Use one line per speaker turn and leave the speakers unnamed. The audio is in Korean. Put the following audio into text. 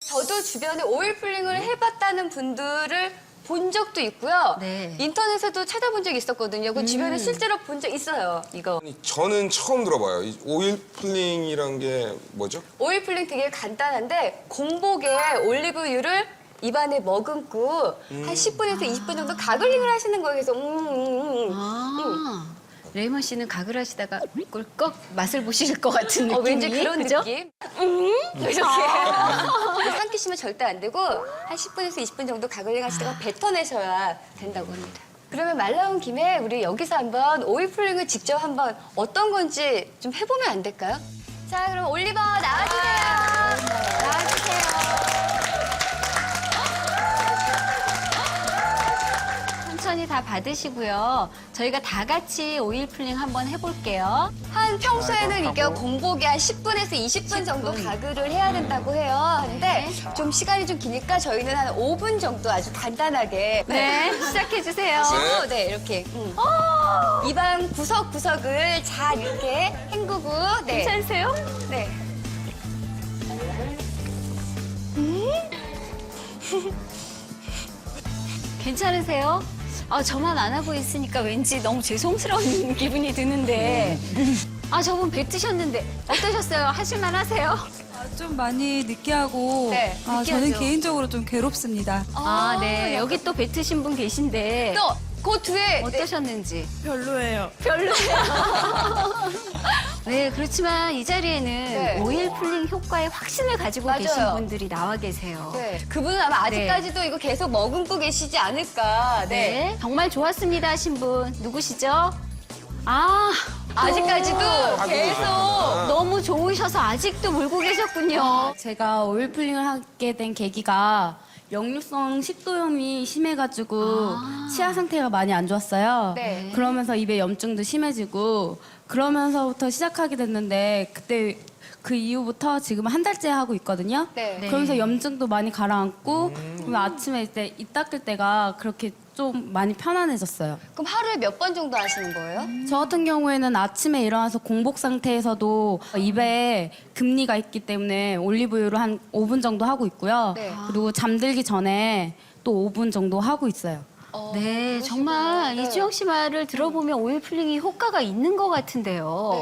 저도 주변에 오일 풀링을 해봤다는 분들을 본 적도 있고요.
네.
인터넷에도 찾아본 적이 있었거든요. 그 주변에 실제로 본 적 있어요, 이거.
아니, 저는 처음 들어봐요. 이 오일 풀링이란 게 뭐죠?
오일 풀링 되게 간단한데 공복에 올리브유를 입안에 머금고 한 10분에서 20분 정도 가글링을 하시는 거예요. 그래서
레이먼 씨는 가글 하시다가 꿀꺽 맛을 보실 것 같은 느낌이.
왠지 그런
그죠?
느낌? 이렇게. 삼키시면 절대 안 되고 한 10분에서 20분 정도 가글링 하시다가 뱉어내셔야 된다고 합니다. 그러면 말 나온 김에 우리 여기서 한번 오일 풀링을 직접 한번 어떤 건지 좀 해보면 안 될까요? 자, 그럼 올리버 나와주세요. 나와주세요.
천천히 다 받으시고요. 저희가 다 같이 오일 풀링 한번 해볼게요.
한 평소에는 이게 공복에 한 10분에서 20분 정도 가글을 해야 된다고 해요. 근데 좀 시간이 좀 기니까 저희는 한 5분 정도 아주 간단하게
네, 시작해주세요.
하시고 네, 이렇게 입안 구석구석을 잘 이렇게 헹구고 네.
괜찮으세요?
네.
괜찮으세요? 저만 안 하고 있으니까 왠지 너무 죄송스러운 기분이 드는데. 저분 뱉으셨는데 어떠셨어요? 하실만 하세요?
좀 많이 느끼하고
네,
저는
느끼하죠.
개인적으로 좀 괴롭습니다.
네. 여기 또 뱉으신 분 계신데
또 그 뒤에
어떠셨는지.
별로예요.
별로예요. 네, 그렇지만 이 자리에는
네.
오일 풀링 효과에 확신을 가지고
맞아요.
계신 분들이 나와 계세요.
네. 그분은 아마 아직까지도 이거 계속 머금고 계시지 않을까. 네.
네, 정말 좋았습니다 하신 분 누구시죠?
아직까지도 계속
계셨구나.
너무 좋으셔서 아직도 물고 계셨군요.
제가 오일 풀링을 하게 된 계기가 역류성 식도염이 심해가지고 치아 상태가 많이 안 좋았어요.
네.
그러면서 입에 염증도 심해지고 그러면서부터 시작하게 됐는데 그때 그 이후부터 지금 한 달째 하고 있거든요.
네.
그러면서 염증도 많이 가라앉고 그러면 아침에 이제 입 닦을 때가 그렇게 좀 많이 편안해졌어요.
그럼 하루에 몇 번 정도 하시는 거예요?
저 같은 경우에는 아침에 일어나서 공복 상태에서도 입에 금니가 있기 때문에 올리브유를 한 5분 정도 하고 있고요.
네.
그리고 잠들기 전에 또 5분 정도 하고 있어요.
네, 정말
네.
이주영 씨 말을 들어보면 오일 풀링이 효과가 있는 것 같은데요.